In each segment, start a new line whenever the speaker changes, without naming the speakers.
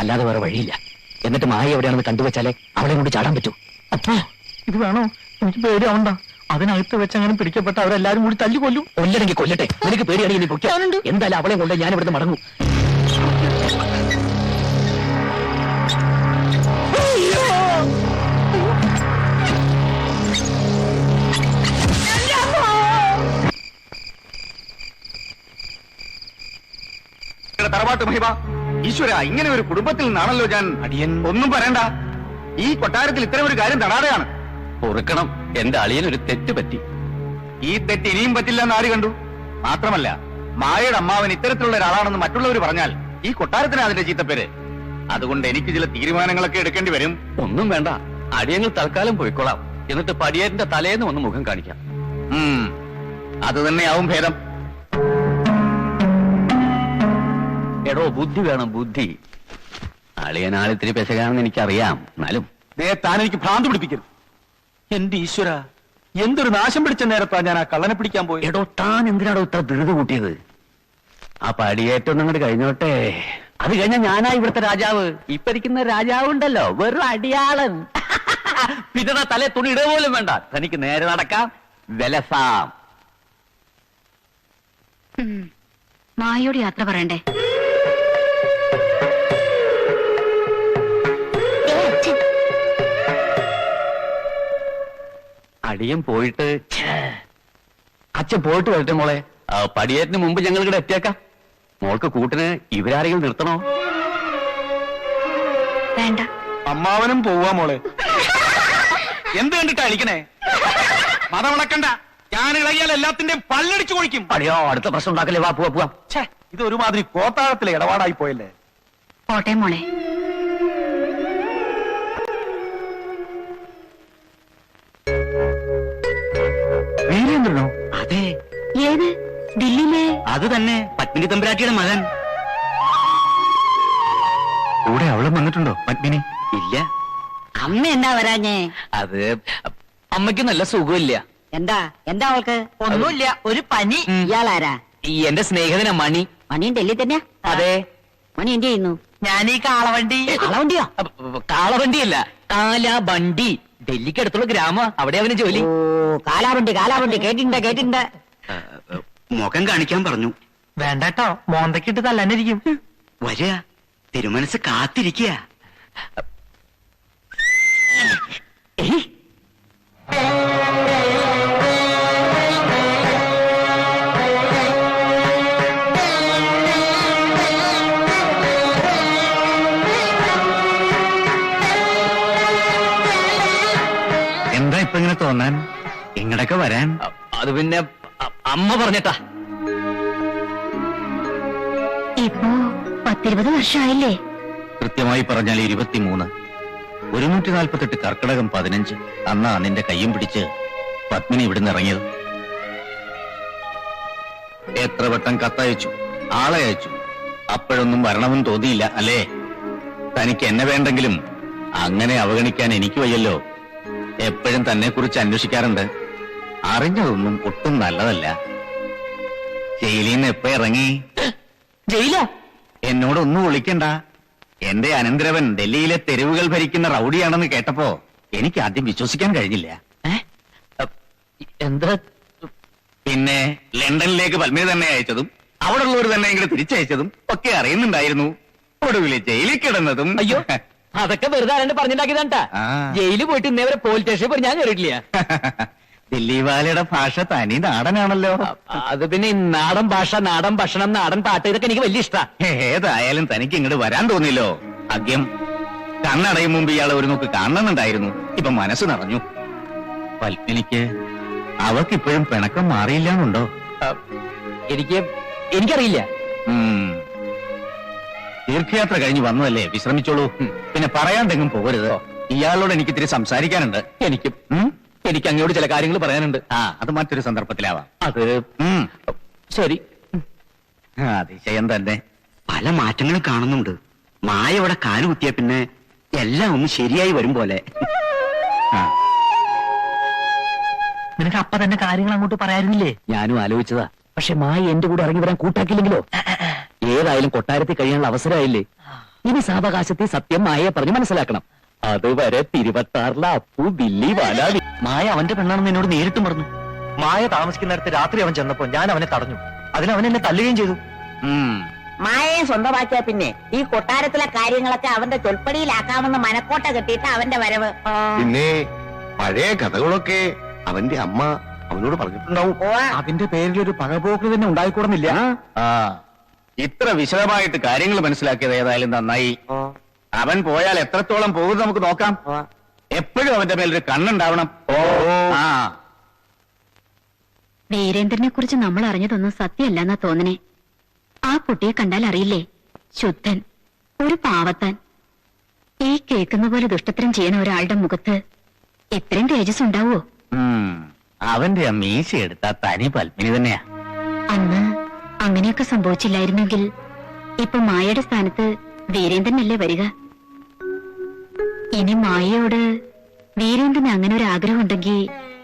അല്ലാതെ വേറെ വഴിയില്ല. എന്നിട്ട് മായ എവിടെയാണെന്ന് കണ്ടുവച്ചാലേ അവളെ കൊണ്ട് ചാടാൻ പറ്റൂ.
അപ്പോ ഇത് വേണോ? എനിക്ക് പേടിയാവണ്ട. അതിനകത്ത് വെച്ച് അങ്ങനെ പിടിക്കപ്പെട്ട അവരെല്ലാരും കൂടി തല്ലി കൊല്ലും.
കൊല്ലണമെങ്കിൽ കൊല്ലട്ടെ. നിനക്ക് പേടിയാണെങ്കിൽ നീ പൊയ്ക്കോ. എന്തായാലും അവളെ കൊണ്ട് ഞാൻ ഇവിടുന്ന് മടങ്ങും.
തറവാട്ട് മഹിമ ഈശ്വര, ഇങ്ങനെ ഒരു കുടുംബത്തിൽ നിന്നാണല്ലോ ഞാൻ.
അടിയൻ
ഒന്നും പറയണ്ട. ഈ കൊട്ടാരത്തിൽ ഇത്തരം ഒരു കാര്യം തടാതെയാണ്.
പൊറുക്കണം. എന്റെ അളിയൻ ഒരു തെറ്റ് പറ്റി.
ഈ തെറ്റ് ഇനിയും പറ്റില്ല എന്ന് ആര് കണ്ടു? മാത്രമല്ല, മായയുടെ അമ്മാവൻ ഇത്തരത്തിലുള്ള ഒരാളാണെന്ന് മറ്റുള്ളവർ പറഞ്ഞാൽ ഈ കൊട്ടാരത്തിന് അതിന്റെ ചീത്തപ്പേര്. അതുകൊണ്ട് എനിക്ക് ചില തീരുമാനങ്ങളൊക്കെ എടുക്കേണ്ടി വരും.
ഒന്നും വേണ്ട, അടിയങ്ങൾ തൽക്കാലം പോയിക്കോളാം. എന്നിട്ട് പടിയേറ്റിന്റെ തലേന്ന് ഒന്ന് മുഖം കാണിക്കാം.
അത് തന്നെയാവും ഭേദം.
എടോ, ബുദ്ധി വേണം, ബുദ്ധി. അളിയനാളിത്തിരി പെശകാണെന്ന് എനിക്കറിയാം. എന്നാലും
താൻ എനിക്ക് ഭ്രാന്ത് പിടിപ്പിക്കരുത്. എന്റെ ഈശ്വര, എന്തൊരു നാശം പിടിച്ച നേരത്താ ഞാൻ ആ കള്ളനെ പിടിക്കാൻ പോയി.
എടോ, താൻ എന്തിനാടോ ഇത്ര ധൃതി കൂട്ടിയത്? ആ പടിയേറ്റം അങ്ങോട്ട് കഴിഞ്ഞോട്ടെ. അത് കഴിഞ്ഞാൽ ഞാനാ ഇവിടുത്തെ രാജാവ്. ഇപ്പൊ ഇരിക്കുന്ന രാജാവുണ്ടല്ലോ, വെറും അടിയാളൻ. പിന്നെ തലേ തുണി ഇട പോലും വേണ്ട. തനിക്ക് നേരെ നടക്കാം, വിലസാം.
മായയോട് യാത്ര പറയണ്ടേ?
അടിയൻ പോയിട്ട് അച്ഛൻ പോയിട്ട് വരട്ടെ മോളെ. പടിയേറ്റിന് മുമ്പ് ഞങ്ങൾ ഇവിടെ എത്തിയേക്കാം. മോൾക്ക് കൂട്ടിന് ഇവരാരെങ്കിലും നിർത്തണോ?
വേണ്ട.
അമ്മാവനും പോവാ മോളെ. എന്ത് കണ്ടിട്ടാ അടിക്കണേ? മതമണക്കണ്ട. ഞാൻ ഇളകിയാൽ എല്ലാത്തിന്റെയും പല്ലടിച്ചു കൊഴിക്കും.
അടിയോ, അടുത്ത പ്രശ്നം ഉണ്ടാക്കല്ലേ. വാ, പോവാ പോവാം.
ഇത് ഒരുമാതിരി കോത്താഴത്തിലെ ഇടപാടായി പോയല്ലേ.
പോട്ടെ മോളെ.
വീരേന്ദ്രനോ? അതെ.
ഏത്? ദില്ലിയിലെ?
അത് തന്നെ, പത്മിനി തമ്പുരാട്ടിയുടെ മകൻ. കൂടെ അവളും വന്നിട്ടുണ്ടോ പത്മിനി? ഇല്ല.
അമ്മ എന്താ വരാഞ്ഞേ?
അത് അമ്മയ്ക്ക് നല്ല സുഖമില്ല.
എന്താ എന്താ അവൾക്ക്? ഒന്നുമില്ല, ഒരു പനി. ഇയാളാരാ?
എന്റെ സ്നേഹിതനാ മണി.
മണിയും ഡൽഹി തന്നെയാ?
അതെ.
മണി എന്ത് ചെയ്യുന്നു?
ഞാൻ ഈ കാളവണ്ടി.
കാളവണ്ടിയോ?
കാളവണ്ടിയല്ല, കാലാബണ്ടി. ഡൽഹിക്ക് അടുത്തുള്ള ഗ്രാമ, അവിടെ അവന് ജോലി.
ഓ, കാലാവണ്ടി കാലാവണ്ടി. കേട്ടിട്ടുണ്ട്.
മുഖം കാണിക്കാൻ പറഞ്ഞു.
വേണ്ടട്ടോ, മോന്തക്കിട്ട് തല്ലാനിരിക്കും.
വരിക, തിരുമനസ് കാത്തിരിക്കുക.
എന്താ ഇപ്പൊ ഇങ്ങനെ തോന്നാൻ? ഇങ്ങടൊക്കെ വരാൻ?
അത് പിന്നെ അമ്മ പറഞ്ഞിട്ടാ.
ഇപ്പോ 10-20 വർഷമായില്ലേ?
കൃത്യമായി പറഞ്ഞാൽ 23. 148 കർക്കിടകം 15 അന്നാ നിന്റെ കയ്യും പിടിച്ച് പത്മിനി ഇവിടുന്ന് ഇറങ്ങിയത്. എത്ര വട്ടം കത്തയച്ചു, ആളെ അയച്ചു, അപ്പോഴൊന്നും വരണമെന്ന് തോന്നിയില്ല അല്ലേ? തനിക്ക് എന്നെ വേണ്ടെങ്കിലും അങ്ങനെ അവഗണിക്കാൻ എനിക്ക് വയ്യല്ലോ. എപ്പോഴും തന്നെ കുറിച്ച് അന്വേഷിക്കാറുണ്ട്. അറിഞ്ഞതൊന്നും ഒട്ടും നല്ലതല്ല. ജയിലിൽ നിന്ന് എപ്പോ ഇറങ്ങി?
ജയില?
എന്നോടൊന്നും വിളിക്കണ്ട. എന്റെ അനന്തരവൻ ഡൽഹിയിലെ തെരുവുകൾ ഭരിക്കുന്ന റൌഡിയാണെന്ന് കേട്ടപ്പോ എനിക്ക് ആദ്യം വിശ്വസിക്കാൻ കഴിഞ്ഞില്ല.
എന്താ?
പിന്നെ ലണ്ടനിലേക്ക് പത്മിനി തന്നെ അയച്ചതും അവിടെ ഉള്ളവർ തന്നെ ഇങ്ങോട്ട് തിരിച്ചയച്ചതും ഒക്കെ അറിയുന്നുണ്ടായിരുന്നു. ഒടുവില് ജയിലിൽ കിടന്നതും.
അയ്യോ, അതൊക്കെ വെറുതെ ആരാണ്ട് പറഞ്ഞിട്ടാക്കിയതാണ്ടാ. ജയിലിൽ പോയിട്ട് ഇന്നേ വരെ പോലീസ് സ്റ്റേഷനിൽ പോയി ഞാൻ കയറിയിട്ടില്ല.
ദില്ലി വാലയുടെ ഭാഷ തനി നാടനാണല്ലോ.
അത് പിന്നെ നാടൻ ഭാഷ, നാടൻ ഭക്ഷണം, നാടൻ പാട്ട്, ഇതൊക്കെ എനിക്ക് വലിയ ഇഷ്ടാ.
ഏതായാലും തനിക്ക് ഇങ്ങോട്ട് വരാൻ തോന്നിയല്ലോ. ആദ്യം കണ്ണടയും മുമ്പ് ഇയാളെ ഒരു നോക്ക് കാണണമെന്നുണ്ടായിരുന്നു. ഇപ്പൊ മനസ്സ് നിറഞ്ഞു. പത്മിനിക്ക് അവക്കിപ്പോഴും പിണക്കം മാറിയില്ലാന്നുണ്ടോ?
എനിക്കറിയില്ല.
തീർത്ഥയാത്ര കഴിഞ്ഞ് വന്നതല്ലേ, വിശ്രമിച്ചോളൂ. പിന്നെ പറയാണ്ടെങ്കിലും പോകരുത്. ഇയാളോട് എനിക്ക് ഇത്തിരി സംസാരിക്കാനുണ്ട്.
എനിക്ക് അങ്ങോട്ട് ചില കാര്യങ്ങൾ പറയാനുണ്ട്.
അത് മറ്റൊരു സന്ദർഭത്തിലാവാം.
അത് ശരി.
അതിശയം തന്നെ.
പല മാറ്റങ്ങളും കാണുന്നുണ്ട്. മായ ഇവിടെ കാലുകുത്തിയ പിന്നെ എല്ലാം ഒന്ന് ശരിയായി വരും പോലെ.
നിനക്ക് അപ്പ തന്നെ കാര്യങ്ങൾ അങ്ങോട്ട് പറയാനില്ലേ?
ഞാനും ആലോചിച്ചതാ. പക്ഷെ മായ എന്റെ കൂടെ ഇറങ്ങി വരാൻ കൂട്ടാക്കില്ലെങ്കിലോ? ഏതായാലും കൊട്ടാരത്തിൽ കഴിയാനുള്ള അവസരമായില്ലേ. ഇനി സാവകാശത്തെ സത്യം മായയെ പറഞ്ഞ് മനസ്സിലാക്കണം. അതുവരെ തിരുവത്താറിലെ അപ്പു ബില്ലി വാലാവി.
മായ അവന്റെ പെണ്ണാണെന്ന് എന്നോട് നേരിട്ടും പറഞ്ഞു. മായ താമസിക്കുന്നിടത്ത് രാത്രി അവൻ ചെന്നപ്പോ ഞാൻ അവനെ തടഞ്ഞു. അതിന് അവൻ എന്നെ തല്ലുകയും ചെയ്തു.
മായയെ സ്വന്തമാക്കിയ പിന്നെ ഈ കൊട്ടാരത്തിലെ കാര്യങ്ങളൊക്കെ അവന്റെ ചൊൽപ്പടിയിലാക്കാമെന്ന് മനക്കോട്ട കെട്ടിയിട്ട് അവന്റെ വരവ്.
പിന്നെ പഴയ കഥകളൊക്കെ അവന്റെ അമ്മ അവനോട് പറഞ്ഞിട്ടുണ്ടാവും.
അതിന്റെ പേരിൽ ഒരു പകപോക്ക് തന്നെ ഉണ്ടായിക്കൂടുന്നില്ല.
ആ ഇത്ര വിശദമായിട്ട് കാര്യങ്ങൾ മനസ്സിലാക്കിയത് ഏതായാലും നന്നായി. അവൻ പോയാൽ എത്രത്തോളം പോകും നമുക്ക് നോക്കാം. എപ്പോഴും അവന്റെ മേലൊരു കണ്ണുണ്ടാവണം. ആ
വീരേന്ദ്രനെ കുറിച്ച് നമ്മൾ അറിഞ്ഞതൊന്നും സത്യമല്ലെന്നാ തോന്നണേ. ആ കുട്ടിയെ കണ്ടാൽ അറിയില്ലേ, ശുദ്ധൻ, ഒരു പാവത്താൻ. ഈ കേൾക്കുന്ന പോലെ ദുഷ്ടത്തരം ചെയ്യുന്ന ഒരാളുടെ മുഖത്ത് ഇത്രയും തേജസ് ഉണ്ടാവോ?
അവന്റെ ആ മീശ എടുത്ത തനി പത്മിനി തന്നെയാ.
അന്ന് അങ്ങനെയൊക്കെ സംഭവിച്ചില്ലായിരുന്നെങ്കിൽ ഇപ്പൊ മായയുടെ സ്ഥാനത്ത് വീരേന്ദ്രനല്ലേ വരിക. ഇനി മായയോട് വീരേന്ദ്രന് അങ്ങനെ ഒരു ആഗ്രഹം ഉണ്ടെങ്കിൽ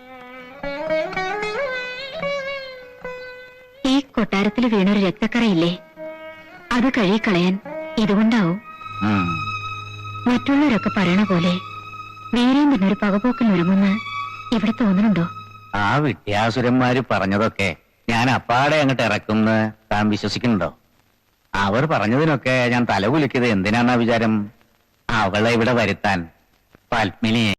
ഈ കൊട്ടാരത്തിൽ വീണൊരു രക്തക്കറയില്ലേ, അത് കഴുകിക്കളയാൻ ഇതുകൊണ്ടാവും. മറ്റുള്ളവരൊക്കെ പറയണ പോലെ വീരേന്ദ്രനൊരു പകപോക്കൽ ഒരുങ്ങുന്ന് ഇവിടെ തോന്നുന്നുണ്ടോ?
ആ വിദ്യാസുരന്മാര് പറഞ്ഞതൊക്കെ ഞാൻ അപ്പാടെ അങ്ങോട്ട് ഇറക്കുന്ന താൻ വിശ്വസിക്കുന്നുണ്ടോ? അവർ പറഞ്ഞതിനൊക്കെ ഞാൻ തലകുലിക്കത് എന്തിനാന്നാ വിചാരം? അവളെ ഇവിടെ വരുത്താൻ, പത്മിനിയെ.